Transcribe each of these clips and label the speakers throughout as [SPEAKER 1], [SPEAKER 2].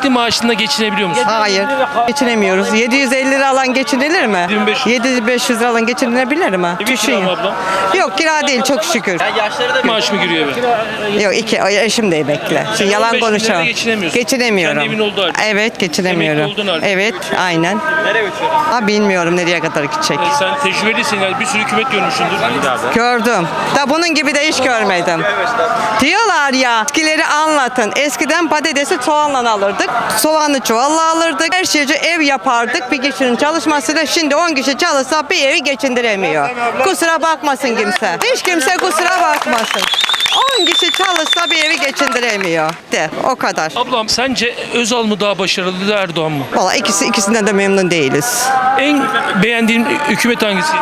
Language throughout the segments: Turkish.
[SPEAKER 1] emekli maaşında geçinebiliyor musun?
[SPEAKER 2] Hayır, geçinemiyoruz. 750 lira alan geçinilir mi? 7500 lira alan geçinilebilir mi?
[SPEAKER 1] Evi
[SPEAKER 2] Düşün
[SPEAKER 1] kira mı
[SPEAKER 2] ya.
[SPEAKER 1] ablam?
[SPEAKER 2] Yok, kira değil, çok şükür.
[SPEAKER 1] Maaş mı giriyor eve?
[SPEAKER 2] Yok, eşim de emekli. Şimdi yalan
[SPEAKER 1] 15 bin lirayla
[SPEAKER 2] konuşamam.
[SPEAKER 1] geçinemiyorsun.
[SPEAKER 2] Geçinemiyorum.
[SPEAKER 1] Kendi evin olduğu halde.
[SPEAKER 2] Evet, geçinemiyorum.
[SPEAKER 1] Emekli olduğun halde.
[SPEAKER 2] Evet, aynen.
[SPEAKER 1] Nereye götürüyorsun?
[SPEAKER 2] Ha, bilmiyorum nereye kadar gidecek.
[SPEAKER 1] Sen tecrübelisin yani bir sürü hükümet görmüşsündür.
[SPEAKER 2] Gördüm. Da bunun gibi de hiç görmedim. Diyorlar ya, eskileri anlatın. Eskiden patatesi soğanla alırdık. Soğanı çuvalla alırdık. Her şeyi ev yapardık. Bir kişinin çalışmasıyla şimdi 10 kişi çalışsa bir evi geçindiremiyor. Kusura bakmasın kimse. Hiç kimse kusura bakmasın. 10 kişi çalışsa bir evi geçindiremiyor. De, o kadar.
[SPEAKER 1] Ablam sence Özal mı daha başarılı Erdoğan mı?
[SPEAKER 2] Valla ikisinden de memnun değiliz.
[SPEAKER 1] En beğendiğin hükümet hangisiydi?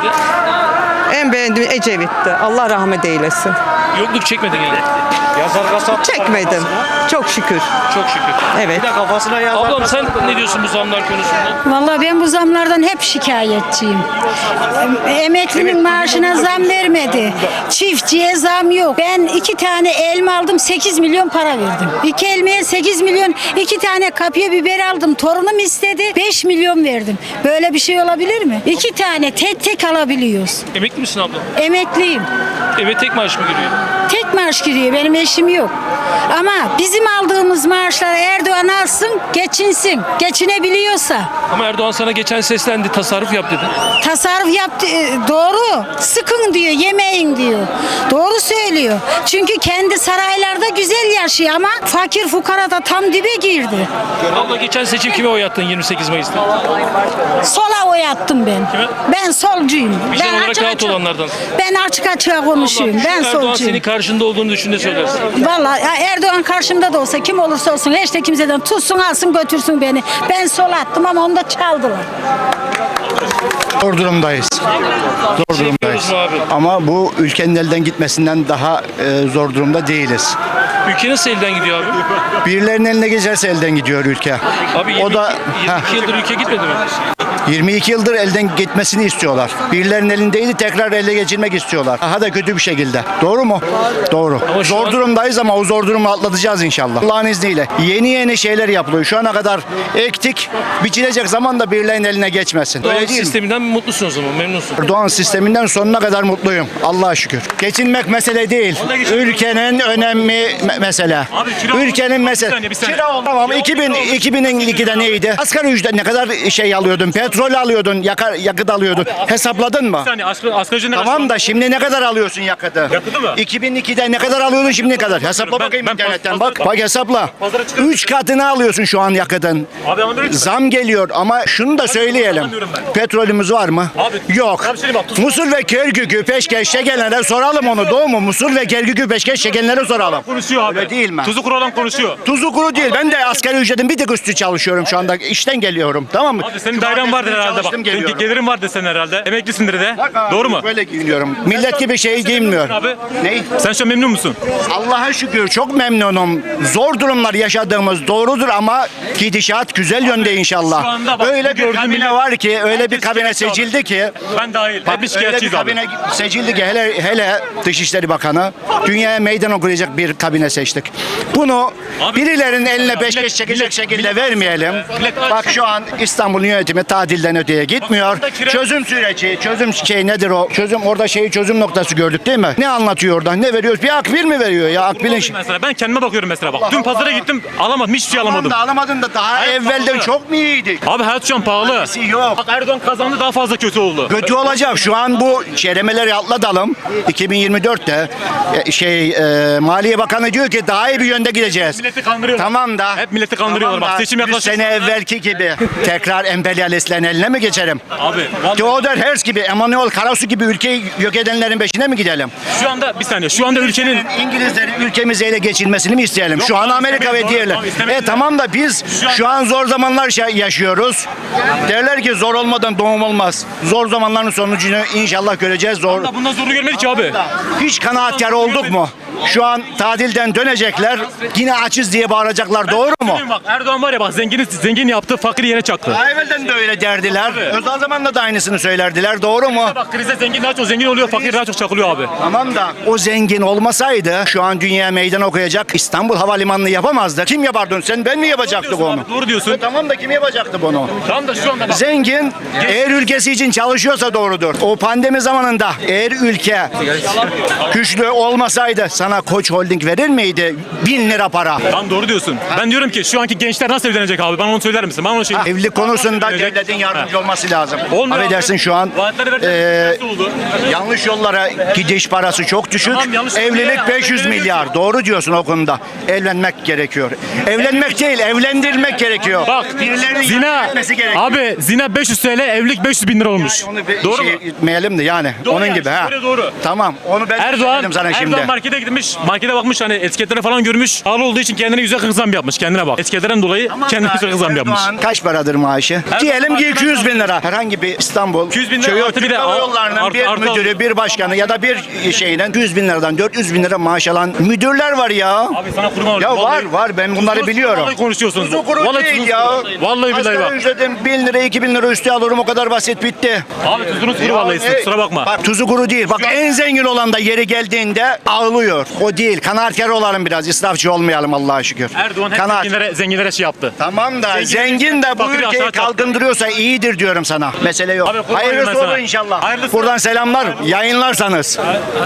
[SPEAKER 2] En beğendiğim Ecevit'ti. Allah rahmet eylesin.
[SPEAKER 1] Yokluk çekmedin yani.
[SPEAKER 2] Çekmedim. Çok şükür.
[SPEAKER 1] Çok şükür.
[SPEAKER 2] Evet.
[SPEAKER 1] Ablam sen ne diyorsun bu zamlar konusunda?
[SPEAKER 3] Vallahi ben bu zamlardan hep şikayetçiyim. Emeklinin maaşına zam vermedi. Çiftçiye zam yok. Ben 2 tane elma aldım, 8 milyon para verdim. 2 elmaya 8 milyon, 2 tane kapya biber aldım. Torunum istedi, 5 milyon verdim. Böyle bir şey olabilir mi? 2 tane tek alabiliyoruz.
[SPEAKER 1] Emekli misin ablam?
[SPEAKER 3] Emekliyim.
[SPEAKER 1] Eve tek maaş mı giriyor?
[SPEAKER 3] Tek maaş giriyor. Benim eşim yok. Ama bizim aldığımız maaşları Erdoğan alsın, geçinsin. Geçinebiliyorsa.
[SPEAKER 1] Ama Erdoğan sana geçen seslendi, tasarruf yap dedi.
[SPEAKER 3] Tasarruf yaptı. Doğru. Sıkın diyor, yemeyin diyor. Doğru söylüyor. Çünkü kendi saraylarda güzel yaşıyor ama fakir fukara da tam dibe girdi.
[SPEAKER 1] Abla geçen seçim kime oy attın 28 Mayıs'ta?
[SPEAKER 3] Sola oy attım ben.
[SPEAKER 1] Kime?
[SPEAKER 3] Ben solcuyum.
[SPEAKER 1] Vicdan olarak rahat olanlardan.
[SPEAKER 3] Ben açık açığa konuşuyorum. Ben
[SPEAKER 1] Erdoğan
[SPEAKER 3] solcuyum.
[SPEAKER 1] senin karşında olduğunu düşün ne söylersin?
[SPEAKER 3] Vallahi Erdoğan karşımda da olsa kim olursa olsun hiç de kimseden tutsun alsın götürsün beni. Ben sola attım ama onu da çaldılar.
[SPEAKER 4] Zor durumdayız. Zor durumdayız.
[SPEAKER 1] mu abi?
[SPEAKER 4] Ama bu ülkenin elden gitmesinden daha zor durumda değiliz.
[SPEAKER 1] Ülke nasıl elden gidiyor abi?
[SPEAKER 4] Birilerinin eline geçerse elden gidiyor ülke.
[SPEAKER 1] Abi 22,
[SPEAKER 4] O da
[SPEAKER 1] 22 yıldır ülke gitmedi mi?
[SPEAKER 4] 22 yıldır elden gitmesini istiyorlar. Birilerinin elindeydi tekrar ele geçirmek istiyorlar. Daha da kötü bir şekilde. Doğru mu? Doğru.
[SPEAKER 1] Ama şu
[SPEAKER 4] Zor
[SPEAKER 1] an-
[SPEAKER 4] durumdayız ama o zor durumu atlatacağız inşallah. Allah'ın izniyle. Yeni şeyler yapılıyor. Şu ana kadar ektik. Biçilecek zaman da birilerinin eline geçmesin.
[SPEAKER 1] Doğan
[SPEAKER 4] Öyle değil mi?
[SPEAKER 1] sisteminden mutlusun o zaman, memnunsun.
[SPEAKER 4] Erdoğan sisteminden sonuna kadar mutluyum. Allah'a şükür. Geçinmek mesele değil. Ülkenin önemli mesele. Ülkenin mesele. Kira tamam 2002'de neydi? Asgari ücret ne kadar şey alıyordun? Petrol alıyordun, yakıt alıyordun. Hesapladın mı?
[SPEAKER 5] Yani asgari ücret ne kadar?
[SPEAKER 4] Tamam da şimdi ne kadar alıyorsun yakıtı?
[SPEAKER 5] Yakıtı mı?
[SPEAKER 4] 2002'de ne kadar alıyordun şimdi ne kadar? Hesapla bakayım
[SPEAKER 5] ben
[SPEAKER 4] internetten
[SPEAKER 5] pazara-
[SPEAKER 4] bak. Bak hesapla.
[SPEAKER 5] Pazara çıkıyorum.
[SPEAKER 4] 3 katını alıyorsun şu an yakıtın.
[SPEAKER 5] Abi ama böyle
[SPEAKER 4] Zam geliyor ama şunu da söyleyelim.
[SPEAKER 5] anlamıyorum ben.
[SPEAKER 4] Petrolümüz var mı?
[SPEAKER 5] Abi,
[SPEAKER 4] Yok.
[SPEAKER 5] abi söyleyeyim bak,
[SPEAKER 4] Musul ve Kerkük'ü peşkeş çekenlere soralım onu. Doğru mu? Musul ve Kerkük'ü peşkeş çekenlere soralım.
[SPEAKER 5] konuşuyor abi.
[SPEAKER 4] Öyle değil mi?
[SPEAKER 5] Tuzu kuru olan konuşuyor.
[SPEAKER 4] Tuzu kuru değil. Ben de asgari ücretin bir tık üstü çalışıyorum şu anda. İşten geliyorum. Tamam mı?
[SPEAKER 5] Abi senin dairen vardır herhalde bak.
[SPEAKER 4] Çalıştım, geliyorum.
[SPEAKER 5] Gelirin vardır senin herhalde. Emeklisindir de.
[SPEAKER 4] Bak abi,
[SPEAKER 5] Doğru mu?
[SPEAKER 4] Böyle giyiniyorum. Millet gibi şey giyinmiyor.
[SPEAKER 5] Abi.
[SPEAKER 4] Ney?
[SPEAKER 5] Sen şu an memnun musun?
[SPEAKER 4] Allah'a şükür çok memnunum. Zor durumlar yaşadığımız doğrudur ama gidişat güzel yönde inşallah.
[SPEAKER 5] Şu anda bak,
[SPEAKER 4] Öyle
[SPEAKER 5] bugün
[SPEAKER 4] bir kabine
[SPEAKER 5] millet-
[SPEAKER 4] var ki, öyle bir
[SPEAKER 5] herkes
[SPEAKER 4] kabine
[SPEAKER 5] şikayetçi abi.
[SPEAKER 4] seçildi ki.
[SPEAKER 5] Ben dahil.
[SPEAKER 4] Bak,
[SPEAKER 5] Hepimiz
[SPEAKER 4] öyle bir
[SPEAKER 5] şikayetçiyiz abi.
[SPEAKER 4] kabine seçildi ki hele Dışişleri Bakanı dünyaya meydan okuyacak bir kabine seçtik. Bunu
[SPEAKER 5] Abi,
[SPEAKER 4] birilerinin eline
[SPEAKER 5] millet-
[SPEAKER 4] peşkeş çekecek
[SPEAKER 5] millet-
[SPEAKER 4] şekilde
[SPEAKER 5] millet-
[SPEAKER 4] vermeyelim.
[SPEAKER 5] millet-
[SPEAKER 4] Bak şu an İstanbul yönetimi tatilden öteye gitmiyor.
[SPEAKER 5] Bak, kira-
[SPEAKER 4] Çözüm süreci, çözüm şey nedir o? Orada çözüm noktası gördük değil mi? Ne anlatıyor orada? Ne veriyoruz? Bir akbil mi veriyor ya? Akbil'in
[SPEAKER 5] Mesela ben kendime bakıyorum mesela bak. Dün
[SPEAKER 4] Allah
[SPEAKER 5] pazara
[SPEAKER 4] Allah.
[SPEAKER 5] gittim alamadım hiçbir şey alamadım.
[SPEAKER 4] Tamam da alamadın da daha
[SPEAKER 5] Hayır,
[SPEAKER 4] evvelden
[SPEAKER 5] pahalı.
[SPEAKER 4] çok mu iyiydik?
[SPEAKER 5] Abi hayat şu an pahalı.
[SPEAKER 4] Alakası yok.
[SPEAKER 5] Bak Erdoğan kazandı daha fazla kötü oldu.
[SPEAKER 4] Kötü olacak. Şu an bu çeremeleri atlatalım. 2024'te Maliye Bakanı diyor ki daha iyi bir yönde gideceğiz.
[SPEAKER 5] Milleti kandırıyorlar.
[SPEAKER 4] Tamam da.
[SPEAKER 5] Hep milleti kandırıyorlar.
[SPEAKER 4] Tamam
[SPEAKER 5] Bak,
[SPEAKER 4] da,
[SPEAKER 5] seçim
[SPEAKER 4] 100
[SPEAKER 5] yaklaşık.
[SPEAKER 4] sene evvelki gibi tekrar emperyalistlerin eline mi geçerim?
[SPEAKER 5] Abi vallahi
[SPEAKER 4] Theodor Herzl gibi, Emanuel Karasu gibi ülkeyi yok edenlerin peşine mi gidelim?
[SPEAKER 5] şu anda bir saniye şu anda ülkenin
[SPEAKER 4] İngilizlerin ülkemizi ele geçirmesini mi isteyelim?
[SPEAKER 5] Yok
[SPEAKER 4] Şu an
[SPEAKER 5] abi,
[SPEAKER 4] Amerika ve
[SPEAKER 5] istemeyiz
[SPEAKER 4] diğerler.
[SPEAKER 5] abi, istemeyiz.
[SPEAKER 4] Tamam da biz şu an zor zamanlar yaşıyoruz. Derler ki zor olmadan doğum olmaz. Zor zamanların sonucunu inşallah göreceğiz. Zor.
[SPEAKER 5] bundan zoru görmedik ki abi.
[SPEAKER 4] Hiç kanaatkar olduk mu? Şu an tatilden dönecekler. Yine açız diye bağıracaklar. Doğru mu?
[SPEAKER 5] Bak Erdoğan var ya bak zengin yaptı fakiri yere çaktı.
[SPEAKER 4] Daha evvelden de öyle derdiler. Özal zamanında da aynısını söylerdiler. Doğru mu?
[SPEAKER 5] Bak krize zengin daha çok zengin oluyor, fakir daha çok çakılıyor abi.
[SPEAKER 4] Tamam da o zengin olmasaydı şu an dünya meydan okuyacak, İstanbul Havalimanı'nı yapamazdı. Kim yapardı onu? Sen ben mi yapacaktık onu?
[SPEAKER 5] Doğru diyorsun.
[SPEAKER 4] Tamam da kim yapacaktı bunu?
[SPEAKER 5] Tamam da şu anda bak.
[SPEAKER 4] Zengin eğer ülkesi için çalışıyorsa doğrudur. O pandemi zamanında eğer ülke güçlü olmasaydı sana Koç Holding verir miydi 1000 lira para?
[SPEAKER 5] Tamam doğru diyorsun. Ben diyorum ki şu anki gençler nasıl evlenecek abi? Bana onu söyler misin? Bana onu şey...
[SPEAKER 4] Evlilik konusunda devletin yardımcı olması lazım.
[SPEAKER 5] Olmuyor
[SPEAKER 4] Affedersin
[SPEAKER 5] abi.
[SPEAKER 4] şu an
[SPEAKER 5] Vaatleri verdiler, nasıl oldu?
[SPEAKER 4] yanlış yollara gidiş parası çok düşük.
[SPEAKER 5] Tamam, yanlış
[SPEAKER 4] Evlilik
[SPEAKER 5] yollara
[SPEAKER 4] 500
[SPEAKER 5] verdiler.
[SPEAKER 4] milyar. Doğru diyorsun o konuda. Evlenmek gerekiyor. Evlenmek değil, evlendirmek gerekiyor.
[SPEAKER 5] Bak
[SPEAKER 4] Birilerinin
[SPEAKER 5] zina
[SPEAKER 4] yardım etmesi gerekiyor.
[SPEAKER 5] abi zina 500 TL evlilik 500 bin lira olmuş.
[SPEAKER 4] Onu bir
[SPEAKER 5] Doğru
[SPEAKER 4] şey
[SPEAKER 5] mu?
[SPEAKER 4] etmeyelim de yani.
[SPEAKER 5] Doğru
[SPEAKER 4] Onun
[SPEAKER 5] yani,
[SPEAKER 4] gibi ha.
[SPEAKER 5] şöyle doğru.
[SPEAKER 4] Tamam. Onu ben söyledim sana şimdi.
[SPEAKER 5] Erdoğan markete gitmiş, markete bakmış hani etiketlere falan görmüş. Pahalı olduğu için kendine güzel zam yapmış. Kendine bak. Etiketlerden dolayı kendine güzel zam yapmış.
[SPEAKER 4] Erdoğan kaç paradır maaşı? Diyelim ki 200 bin lira. Herhangi bir İstanbul
[SPEAKER 5] 200 bin lira
[SPEAKER 4] köyü
[SPEAKER 5] artı bir
[SPEAKER 4] Türk
[SPEAKER 5] de
[SPEAKER 4] Hava Yolları'nın
[SPEAKER 5] artı-
[SPEAKER 4] bir
[SPEAKER 5] artı-
[SPEAKER 4] müdürü, bir başkanı ya da bir şeyden 200 bin liradan 400 bin lira maaş alan müdürler var ya.
[SPEAKER 5] Abi sana kurban olayım.
[SPEAKER 4] Ya
[SPEAKER 5] Vallahi-
[SPEAKER 4] var ben bunları
[SPEAKER 5] Tuzlu-
[SPEAKER 4] biliyorum.
[SPEAKER 5] Vallahi konuşuyorsunuz.
[SPEAKER 4] Tuzu kuru
[SPEAKER 5] Vallahi
[SPEAKER 4] değil
[SPEAKER 5] tuzlu-
[SPEAKER 4] ya.
[SPEAKER 5] Vallahi billahi
[SPEAKER 4] Asgari
[SPEAKER 5] bak.
[SPEAKER 4] ücretin 1000 lira 2000 lira üstü alırım o kadar basit bitti.
[SPEAKER 5] Abi tuzunuz kuru vallahi siz, kusura bakma.
[SPEAKER 4] Bak tuzu kuru değil. Bak en zengin olan da yeri geldiğinde ağlıyor. O değil. Kanaatkar olalım biraz. İsrafçı olmayalım Allah'a şükür.
[SPEAKER 5] Erdoğan hep zenginlere şey yaptı.
[SPEAKER 4] Tamam da
[SPEAKER 5] Zengin-
[SPEAKER 4] zengin de bu
[SPEAKER 5] fakiri
[SPEAKER 4] ülkeyi
[SPEAKER 5] aşağı çarptı.
[SPEAKER 4] kalkındırıyorsa iyidir diyorum sana. Mesele yok.
[SPEAKER 5] Abi, kurban olayım
[SPEAKER 4] Hayırlısı
[SPEAKER 5] ben sana.
[SPEAKER 4] olur inşallah.
[SPEAKER 5] Hayırlısı.
[SPEAKER 4] Buradan selamlar. Yayınlarsanız.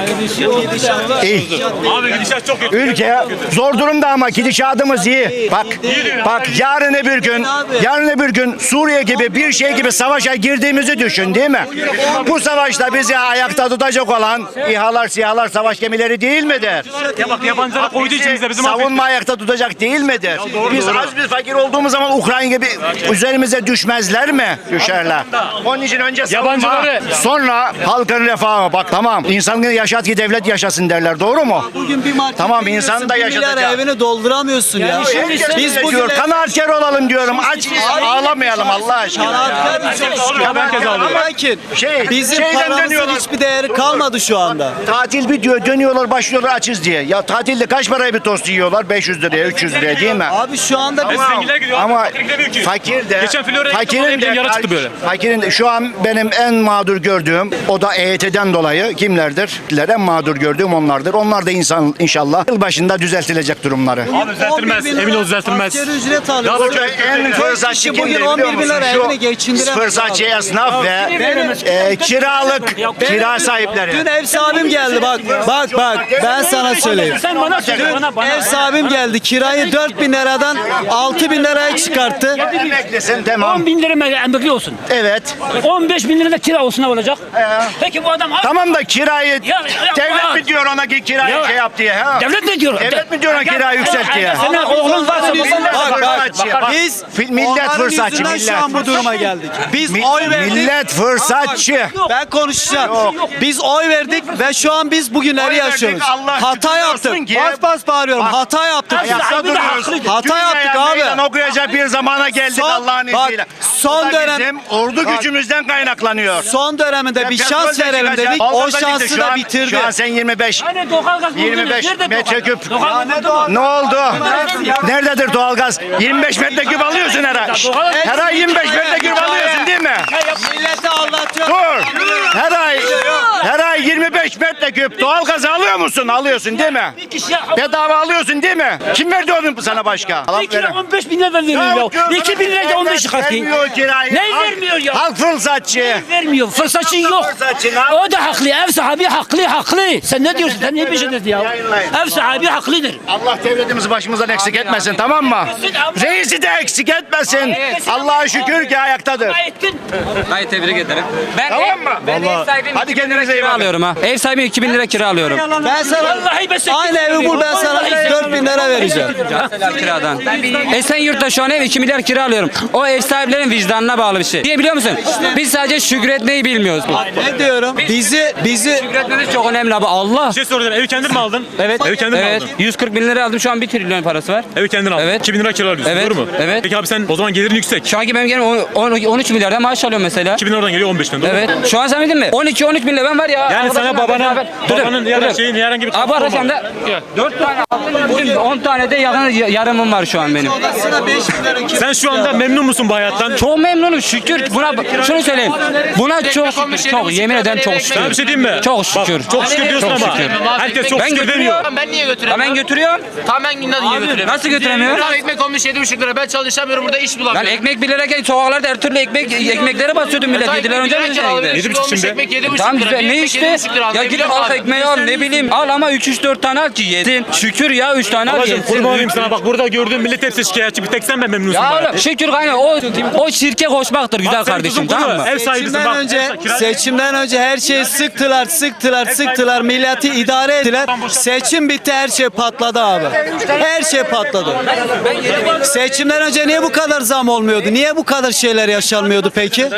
[SPEAKER 4] İyi.
[SPEAKER 5] Abi gidişat çok kötü.
[SPEAKER 4] Ülke zor durumda ama gidişatımız iyi. Bak yarın öbür gün Suriye gibi bir şey gibi savaşa girdiğimizi düşün değil mi? Bu savaşta bizi ayakta tutacak olan İHA'lar, SİHA'lar, savaş gemileri değil midir?
[SPEAKER 5] Ya bak yabancılara koyduğu için bize bizim
[SPEAKER 4] Savunma ayakta tutacak değil midir? Biz az bir fakir olduğumuz zaman Ukrayna gibi üzerimize düşmezler mi? Düşerler. Onun için önce savunma,
[SPEAKER 5] Yabancıları-
[SPEAKER 4] sonra halkın refahı. Bak tamam insanı yaşat ki devlet yaşasın derler. Doğru mu?
[SPEAKER 6] Bugün bir markete
[SPEAKER 4] Tamam,
[SPEAKER 6] giriyorsun,
[SPEAKER 4] insan da
[SPEAKER 6] 1 milyar
[SPEAKER 4] yaşatacak.
[SPEAKER 6] evini dolduramıyorsun ya.
[SPEAKER 4] Biz bugün kanaatkar olalım diyorum. Aç ağlamayalım Allah aşkına.
[SPEAKER 6] Kanaatkar
[SPEAKER 5] Herkes ağlıyor.
[SPEAKER 6] Lakin bizim
[SPEAKER 4] şeyden
[SPEAKER 6] paramızın
[SPEAKER 4] dönüyorlar.
[SPEAKER 6] hiçbir değeri kalmadı şu anda.
[SPEAKER 4] Tatil bitiyor dönüyorlar başlıyorlar açız diye. Ya tatilde kaç paraya bir tost yiyorlar? 500 liraya 300 liraya değil mi?
[SPEAKER 6] Abi şu anda biz
[SPEAKER 5] Zenginler gidiyor.
[SPEAKER 4] Ama
[SPEAKER 5] fakir gidemiyor ki.
[SPEAKER 4] fakir de
[SPEAKER 5] Geçen Florya'ya gittim, oraya bir yara çıktı böyle.
[SPEAKER 4] Fakirin de şu an benim en mağdur gördüğüm o da EYT'den dolayı kimlerdir? En mağdur gördüğüm onlardır. Onlar da inşallah yıl başında düzeltilecek durumları.
[SPEAKER 5] Abi düzeltilmez.
[SPEAKER 6] 11 bin
[SPEAKER 5] Emin ol
[SPEAKER 6] lira
[SPEAKER 5] düzeltilmez.
[SPEAKER 6] asgari ücret
[SPEAKER 5] Daha
[SPEAKER 6] alıyor.
[SPEAKER 5] da
[SPEAKER 4] Burada en fırsatçı
[SPEAKER 6] kişi
[SPEAKER 4] kimdir
[SPEAKER 6] bugün
[SPEAKER 4] biliyor
[SPEAKER 6] 11 bin
[SPEAKER 4] musun?
[SPEAKER 6] lira evini geçindiremez
[SPEAKER 4] Fırsatçı
[SPEAKER 6] abi.
[SPEAKER 4] esnaf ve kira sahipleri.
[SPEAKER 6] Dün ev sahibim geldi bak ben sana söyleyeyim.
[SPEAKER 7] Sen bana söyle bana.
[SPEAKER 6] Ev sahibim geldi kirayı 4 bin liradan 6 bin liraya çıkarttı.
[SPEAKER 4] Emeklisin tamam.
[SPEAKER 7] 10 bin lira emekli olsun.
[SPEAKER 4] Evet.
[SPEAKER 7] 15 bin lira da kira olsun ne olacak? Peki bu adam
[SPEAKER 4] Tamam da kirayı
[SPEAKER 7] Ya,
[SPEAKER 4] devlet mi diyor ona ki kirayı
[SPEAKER 7] Ya,
[SPEAKER 4] şey yap diye ha?
[SPEAKER 7] devlet ne diyor?
[SPEAKER 4] Devlet mi diyor ona kirayı yükselt diye?
[SPEAKER 7] Senin oğlun varsa
[SPEAKER 6] Biz
[SPEAKER 4] Millet
[SPEAKER 6] onların
[SPEAKER 4] fırsatçı,
[SPEAKER 6] yüzünden
[SPEAKER 4] millet.
[SPEAKER 6] şu an bu duruma geldik. Biz oy verdik.
[SPEAKER 4] Millet fırsatçı.
[SPEAKER 6] Ben konuşacağım. Biz oy verdik ve şu an biz bugünleri
[SPEAKER 4] Oy verdik,
[SPEAKER 6] yaşıyoruz.
[SPEAKER 4] Allah
[SPEAKER 6] Hata
[SPEAKER 4] şükürler
[SPEAKER 6] yaptık.
[SPEAKER 4] olsun ki-
[SPEAKER 6] Bas bas bağırıyorum. Hata yaptık.
[SPEAKER 4] Ayakta duruyoruz.
[SPEAKER 6] Hata yaptık
[SPEAKER 4] Dünyaya
[SPEAKER 6] abi.
[SPEAKER 4] meydan okuyacak bir zamana geldik
[SPEAKER 6] Son-
[SPEAKER 4] Allah'ın
[SPEAKER 6] bak,
[SPEAKER 4] izniyle.
[SPEAKER 6] son
[SPEAKER 4] Bu da
[SPEAKER 6] dönem-
[SPEAKER 4] bizim ordu
[SPEAKER 6] bak,
[SPEAKER 4] gücümüzden kaynaklanıyor.
[SPEAKER 6] Son döneminde bir
[SPEAKER 4] Petrol
[SPEAKER 6] şans
[SPEAKER 4] de
[SPEAKER 6] verelim
[SPEAKER 4] çıkacak.
[SPEAKER 6] dedik. O
[SPEAKER 4] Doğalgaz da
[SPEAKER 6] şansı
[SPEAKER 4] çıktı.
[SPEAKER 6] da bitirdi.
[SPEAKER 4] Şu an sen 25.
[SPEAKER 7] Hani doğalgaz buldunuz.
[SPEAKER 4] 25
[SPEAKER 7] Nerede
[SPEAKER 4] metreküp.
[SPEAKER 7] doğalgaz?
[SPEAKER 4] Ne oldu? Nerededir doğalgaz? 25 metreküp alıyorsun her ay. Her ay 25 metreküp alıyorsun değil mi?
[SPEAKER 6] Milleti anlatıyor.
[SPEAKER 4] Dur. Her ay 25 metreküp doğalgaz alıyor musun? Alıyorsun değil mi?
[SPEAKER 7] Bir kişiye
[SPEAKER 4] Bedava alıyorsun değil mi? Kim verdi onu sana başka?
[SPEAKER 7] bir kira 15 bin lira veriyor ya. 2 bin lira da 15 katı.
[SPEAKER 4] Vermiyor kirayı.
[SPEAKER 7] Ne
[SPEAKER 4] Halk-
[SPEAKER 7] vermiyor ya?
[SPEAKER 4] Halk fırsatçı.
[SPEAKER 7] Vermiyor. Fırsatçı yok.
[SPEAKER 4] Fırsatçı ne?
[SPEAKER 7] O da haklı. Ev sahibi haklı. Sen ne diyorsun? Sen ne bir şey dedin ya?
[SPEAKER 4] Yayınlayın.
[SPEAKER 7] Ev sahibi haklıdır.
[SPEAKER 4] Allah devletimizi başımızdan eksik etmesin tamam mı? Reisi de eksik etmesin. Allah'a şükür ki ayaktadır.
[SPEAKER 7] Ettin.
[SPEAKER 8] Hayır tebrik ederim. Ben
[SPEAKER 4] Tamam mı?
[SPEAKER 8] Ben ev sahibiyim.
[SPEAKER 4] Hadi
[SPEAKER 8] 2000 lira
[SPEAKER 4] kendinize iyi
[SPEAKER 8] kira
[SPEAKER 4] bakın.
[SPEAKER 8] alıyorum ha. Ev sahibi 2000 lira kira alıyorum.
[SPEAKER 6] Ben sana
[SPEAKER 7] Vallahi ben
[SPEAKER 6] aynı evi bul ben sana 4 bin lira vereceğim.
[SPEAKER 8] Mesela kiradan. Esenyurt'ta şu an ev 2 milyar kira alıyorum. O ev sahiplerinin vicdanına bağlı bir şey. Niye biliyor musun? Biz sadece şükretmeyi bilmiyoruz.
[SPEAKER 6] Ne diyorum? Bizi
[SPEAKER 8] Şükretmemiz çok önemli abi. Allah.
[SPEAKER 5] Bir şey soracağım. Evi kendin mi aldın?
[SPEAKER 8] Evet.
[SPEAKER 5] Evi kendin mi
[SPEAKER 8] Evet.
[SPEAKER 5] aldın?
[SPEAKER 8] 140 bin lira aldım. Şu an 1 trilyon parası var.
[SPEAKER 5] Evi kendin aldın.
[SPEAKER 8] Evet.
[SPEAKER 5] 2000 lira kira alıyorsun.
[SPEAKER 8] Evet.
[SPEAKER 5] Doğru mu?
[SPEAKER 8] Evet.
[SPEAKER 5] Peki abi sen o zaman gelirin yüksek.
[SPEAKER 8] Şu anki benim gelirim 13 milyardan maaş alıyorum mesela.
[SPEAKER 5] 2000 oradan geliyor 15'ten doğru mu?
[SPEAKER 8] Evet. Şu an sen bildin mi? 12-13 bin lira ben var ya.
[SPEAKER 5] Yani sana babanın ya da şeyin herhangi bir
[SPEAKER 8] Abi arkadaşım da 4 tane aldım, 10 tane de yarımım var şu an benim.
[SPEAKER 5] Sen şu anda memnun musun bu hayattan?
[SPEAKER 8] Çok memnunum şükür. Buna şunu söyleyeyim. Buna çok şükür. Çok yemin ederim çok şükür.
[SPEAKER 5] Sana bir şey diyeyim mi?
[SPEAKER 8] Çok şükür.
[SPEAKER 5] Bak, çok şükür diyorsun
[SPEAKER 8] Çok
[SPEAKER 5] ama
[SPEAKER 8] şükür.
[SPEAKER 5] herkes çok
[SPEAKER 8] Ben
[SPEAKER 5] şükür demiyor.
[SPEAKER 8] götürüyorum.
[SPEAKER 9] Ben niye götüremiyorum?
[SPEAKER 8] Ben götürüyorum.
[SPEAKER 9] Tamam ben niye götüremiyorum?
[SPEAKER 8] Nasıl götüremiyorum?
[SPEAKER 9] Tamam ekmek olmuş 7,5 lira. Ben çalışamıyorum burada iş
[SPEAKER 8] Ben
[SPEAKER 9] bulamıyorum.
[SPEAKER 8] ekmek 1 lirayken sokaklarda her türlü ekmeklere basıyordum millet. 7 lira önce mi şeydi?
[SPEAKER 5] 7,5 şimdi.
[SPEAKER 9] Ekmek 7,5
[SPEAKER 8] Tamam
[SPEAKER 9] lira.
[SPEAKER 8] güzel
[SPEAKER 9] Bir
[SPEAKER 8] ne
[SPEAKER 9] ekmek
[SPEAKER 8] işte?
[SPEAKER 9] 7,5 lira.
[SPEAKER 8] Ya git al ekmeği al ne bileyim al ama 3-4 tane al ki yedin. Şükür ya 3 tane al
[SPEAKER 5] Babacım
[SPEAKER 8] yedin.
[SPEAKER 5] kurban olayım sana bak burada gördüğüm millet hepsi şikayetçi. Bir tek sen ben memnunsun.
[SPEAKER 8] Ya
[SPEAKER 5] bana.
[SPEAKER 8] oğlum şükür kaynağı o şirke koşmaktır güzel
[SPEAKER 5] Bak, senin
[SPEAKER 8] kardeşim
[SPEAKER 5] tuzun kuru.
[SPEAKER 8] tamam mı?
[SPEAKER 5] Ev sahibisin bak.
[SPEAKER 6] Seçimden önce her şeyi sıktılar, milleti idare ettiler. Seçim bitti, her şey patladı abi. Her şey patladı. Seçimden önce niye bu kadar zam olmuyordu? Niye bu kadar şeyler yaşanmıyordu peki?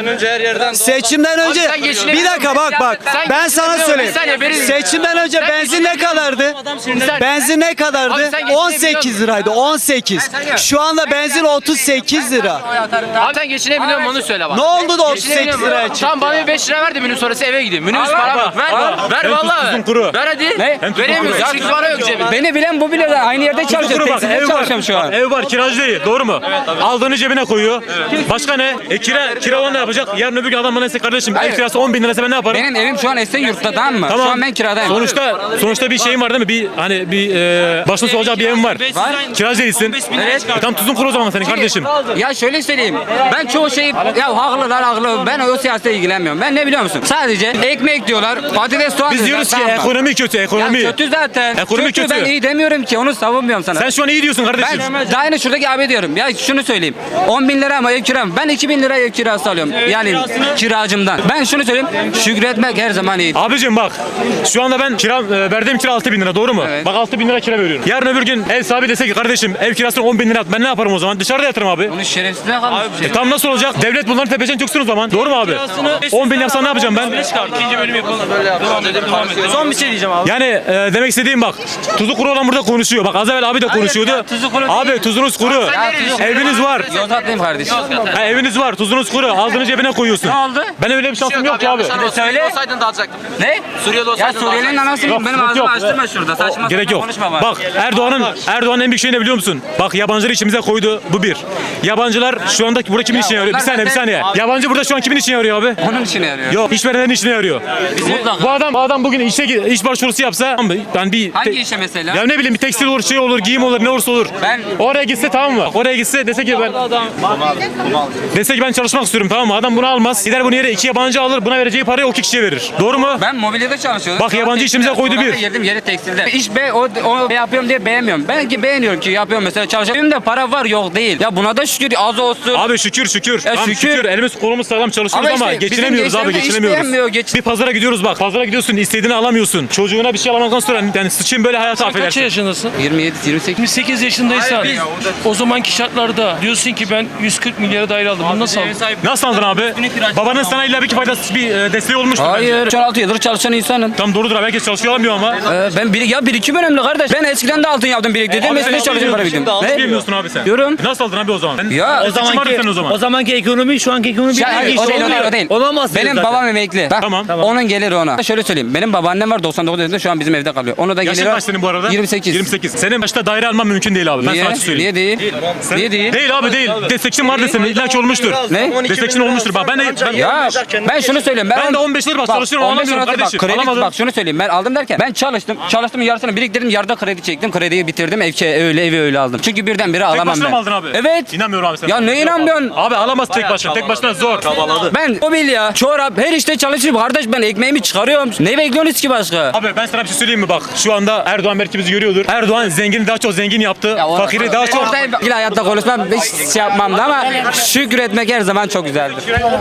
[SPEAKER 6] Seçimden önce
[SPEAKER 9] sen geçinebiliyor
[SPEAKER 6] bir dakika bak.
[SPEAKER 9] Sen
[SPEAKER 6] Ben sana
[SPEAKER 9] geçinebiliyor
[SPEAKER 6] söyleyeyim.
[SPEAKER 9] musun? Bir saniye, benim-
[SPEAKER 6] Seçimden önce
[SPEAKER 9] Sen
[SPEAKER 6] benzin ne kadardı? Benzin ne kadardı?
[SPEAKER 9] Abi sen geçinebiliyor
[SPEAKER 6] 18 liraydı. 18. Şu anda benzin 38 lira.
[SPEAKER 9] Abi sen geçinebiliyor musun onu söyle bana.
[SPEAKER 6] Ne oldu da 38
[SPEAKER 9] Geçinebiliyor musun?
[SPEAKER 6] liraya çıktı?
[SPEAKER 9] Tamam bana bir 5 lira ver de minibüs sonrası eve gideyim. Minibüs
[SPEAKER 8] Al,
[SPEAKER 9] para
[SPEAKER 8] al,
[SPEAKER 9] bak. Ver. Ver
[SPEAKER 5] Hem
[SPEAKER 9] vallahi
[SPEAKER 5] tuzun
[SPEAKER 9] ver.
[SPEAKER 5] kuru.
[SPEAKER 9] Ver hadi.
[SPEAKER 8] Ne?
[SPEAKER 5] Hem tuzun
[SPEAKER 9] Veremiyoruz.
[SPEAKER 5] kuru.
[SPEAKER 9] Çünkü para yok cebinde.
[SPEAKER 8] Beni bilen bu bile de aynı yerde çalışıyor.
[SPEAKER 5] Kuru bak
[SPEAKER 8] Tekstilde
[SPEAKER 5] ev
[SPEAKER 8] çalışıyorum
[SPEAKER 5] var.
[SPEAKER 8] şu an.
[SPEAKER 5] Ev var kiracı değil doğru mu? Aldığını cebine koyuyor. Başka ne? Kira olan ne yapacak? Yarın öbür gün adam bana dese kardeşim ev kirası 10 bin lirası ben ne yaparım?
[SPEAKER 8] Benim evim şu an Esenyurt'ta tamam mı?
[SPEAKER 5] Tamam.
[SPEAKER 8] Şu an ben kiradayım.
[SPEAKER 5] Sonuçta bir şeyin var değil mi? Bir hani bir başına soğuyacak bir evin var.
[SPEAKER 8] Var.
[SPEAKER 5] Kiracı değilsin.
[SPEAKER 8] Evet.
[SPEAKER 5] Tam tuzun kuru o zaman senin kardeşim.
[SPEAKER 8] Ya şöyle söyleyeyim. Ben çoğu şeyi ya haklı. Ben o siyasete ilgilenmiyorum. Ben ne biliyor musun? Sadece ekmek diyorlar. Patates soğan
[SPEAKER 5] Biz diyoruz ki
[SPEAKER 8] tamam mı?
[SPEAKER 5] ekonomi kötü ekonomi.
[SPEAKER 8] Ya kötü zaten.
[SPEAKER 5] Ekonomi kötü.
[SPEAKER 8] Ben iyi demiyorum ki. Onu savunmuyorum sana.
[SPEAKER 5] Sen şu an iyi diyorsun kardeşim.
[SPEAKER 8] Ben daha yine şuradaki abi diyorum. Ya şunu söyleyeyim. 10 bin lira ama ev kiram. Ben 2 bin lira ev kirası alıyorum. Yani kiracımdan. Ben şunu söyleyeyim. Şükretmek her zaman iyi.
[SPEAKER 5] Abicim bak şu anda ben verdiğim kira 6 bin lira doğru mu?
[SPEAKER 8] Evet.
[SPEAKER 5] Bak 6 bin lira kira veriyorum. Yarın öbür gün ev sahibi dese ki kardeşim ev kirasını 10 bin lira at. Ben ne yaparım o zaman? Dışarıda yatırım abi.
[SPEAKER 8] Bunun şerefsizliğine kalmış bir şey.
[SPEAKER 5] Tam nasıl olacak? Devlet bunların tepesine çöksün o zaman. Doğru mu abi? 10 bin yapsan ne yapacağım ben?
[SPEAKER 1] İkinci bölüm yapalım. Devam edelim. Son bir şey diyeceğim abi.
[SPEAKER 5] Yani demek istediğim bak. Tuzu kuru olan burada konuşuyor. Bak az evvel abi de konuşuyordu.
[SPEAKER 8] ya, tuzu kuru
[SPEAKER 5] Abi
[SPEAKER 8] değil.
[SPEAKER 5] tuzunuz kuru. Eviniz var.
[SPEAKER 8] Yozgatlıyım kardeşim.
[SPEAKER 5] Ha, eviniz var. Tuzunuz kuru. Aldığını cebine koyuyorsun.
[SPEAKER 8] Ne oldu?
[SPEAKER 5] Ben öyle bir şansım yok ki abi.
[SPEAKER 8] Söyle.
[SPEAKER 9] Olsaydın da alacaktım.
[SPEAKER 8] Ne?
[SPEAKER 9] Suriyeli
[SPEAKER 8] Ya
[SPEAKER 9] olsaydın
[SPEAKER 8] Suriyeli'nin anasını
[SPEAKER 5] Yok,
[SPEAKER 8] benim
[SPEAKER 5] yok,
[SPEAKER 8] ağzımı
[SPEAKER 5] yok.
[SPEAKER 8] açtırma şurada. Saçma
[SPEAKER 5] Gerek
[SPEAKER 8] sapan
[SPEAKER 5] yok.
[SPEAKER 8] konuşma bana.
[SPEAKER 5] Bak Erdoğan'ın en büyük şey ne biliyor musun? Bak yabancıları içimize koydu. Bu bir. Yabancılar şu andaki burada kimin işine yarıyor? Bir
[SPEAKER 8] onlar
[SPEAKER 5] saniye. Yabancı burada şu an kimin işine yarıyor abi?
[SPEAKER 8] Onun için yarıyor.
[SPEAKER 5] Yok, işverenlerin işine yarıyor.
[SPEAKER 8] Mutlaka.
[SPEAKER 5] Bu adam bugün iş başvurusu yapsa ben bir
[SPEAKER 8] Hangi işe mesela?
[SPEAKER 5] ya ne bileyim bir tekstil olur, şey olur, giyim olur, ne olursa olur.
[SPEAKER 8] Ben-
[SPEAKER 5] Oraya gitse tamam mı? Oraya gitse dese ki ben çalışmak istiyorum tamam mı? Adam bunu almaz. Gider bunu yere 2 yabancı alır. Buna vereceği parayı o 2 kişiye verir. Doğru mu?
[SPEAKER 8] Ben mobilyada çalışıyordum.
[SPEAKER 5] Bak, yabancı işimize koydu bir.
[SPEAKER 8] Yedim yeri tekstilde. İş o yapıyorum diye beğenmiyorum. Ben ki beğeniyorum ki yapıyorum mesela çalışıyorum. Benim de para var yok değil. Ya buna da şükür az olsun.
[SPEAKER 5] Abi şükür.
[SPEAKER 8] Ya
[SPEAKER 5] Tamam,
[SPEAKER 8] şükür.
[SPEAKER 5] Elimiz kolumuz sağlam çalışıyoruz
[SPEAKER 8] Ama
[SPEAKER 5] ama
[SPEAKER 8] işte
[SPEAKER 5] geçinemiyoruz
[SPEAKER 8] bizim
[SPEAKER 5] abi
[SPEAKER 8] gençler de iş
[SPEAKER 5] geçinemiyoruz.
[SPEAKER 8] beğenmiyor,
[SPEAKER 5] Bir pazara gidiyoruz bak. Pazara gidiyorsun istediğini alamıyorsun. Çocuğuna bir şey alamadıktan sonra yani sıçayım böyle hayatı
[SPEAKER 1] Kaç
[SPEAKER 5] affedersin.
[SPEAKER 1] yaşındasın?
[SPEAKER 8] 27 28.
[SPEAKER 1] 28 yaşındaysan o zamanki şartlarda diyorsun ki ben 140 milyara daire aldım. Bunu nasıl aldın?
[SPEAKER 5] Nasıl aldın abi? Babanın sana illa bir faydası desteği olmuştur bence.
[SPEAKER 8] Hayır. 16 yıldır çalışan insanım.
[SPEAKER 5] Tam doğrudur abi herkes çalışıyor alamıyor ama.
[SPEAKER 8] Ben birikim önemli kardeş. Ben eskiden de altın yaptım biriktirdim. Mesleğe çalışıyorum para biriktirdim.
[SPEAKER 5] Nasıl
[SPEAKER 8] Ne?
[SPEAKER 5] bilmiyorsun abi sen?
[SPEAKER 8] Diyorum.
[SPEAKER 5] Nasıl aldın abi o zaman?
[SPEAKER 8] Ya,
[SPEAKER 5] o zaman.
[SPEAKER 7] O zamanki ekonomi şu anki ekonomi
[SPEAKER 8] Ya, hayır, o değil, o değil.
[SPEAKER 7] Olamaz.
[SPEAKER 8] Benim babam emekli. Bak,
[SPEAKER 5] Tamam.
[SPEAKER 8] onun geliri ona. Şöyle söyleyeyim. Benim babaannem var 99 yaşında şu an bizim evde kalıyor. Onu da
[SPEAKER 5] Yaşın
[SPEAKER 8] geliri
[SPEAKER 5] kaç senin bu arada?
[SPEAKER 8] 28.
[SPEAKER 5] 28. Senin başta daire alman mümkün değil abi. Ben
[SPEAKER 8] Niye?
[SPEAKER 5] sana söyleyeyim.
[SPEAKER 8] Niye değil? Niye değil?
[SPEAKER 5] Değil abi değil. Destekçin vardır senin. İlla ki olmuştur.
[SPEAKER 8] Ne?
[SPEAKER 5] Destekçin olmuştur. Bak
[SPEAKER 8] Ya ben şunu söyleyeyim.
[SPEAKER 5] Ben de 15 yıl bak çalışıyorum,
[SPEAKER 8] 15
[SPEAKER 5] alamıyorum
[SPEAKER 8] yıl
[SPEAKER 5] kardeşim.
[SPEAKER 8] Kredi,
[SPEAKER 5] Alamadım.
[SPEAKER 8] bak şunu söyleyeyim. Ben aldım derken ben çalıştım. Çalıştım yarısını biriktirdim. Yarıda kredi çektim. Krediyi bitirdim. Evi öyle aldım. Çünkü birdenbire alamam
[SPEAKER 5] başına
[SPEAKER 8] ben.
[SPEAKER 5] mı aldın abi?
[SPEAKER 8] Evet.
[SPEAKER 5] İnanmıyorum abi sen.
[SPEAKER 8] Ya ne inanmıyorsun?
[SPEAKER 5] Abi alamaz tek başına. Tek başına zor.
[SPEAKER 8] Ben mobilya, çorap her işte çalışıyorum. Kardeş ben ekmeğimi çıkarıyorum. Ne bekliyorsunuz ki başka?
[SPEAKER 5] Abi ben sana bir şey söyleyeyim mi bak. Şu anda Erdoğan belki bizi görüyordur. Erdoğan zengini daha çok zengin yaptı. Fakiri daha çok.
[SPEAKER 8] Orada hayatta konuşmam hiç şey yapmam da ama şükretmek her zaman çok güzeldir.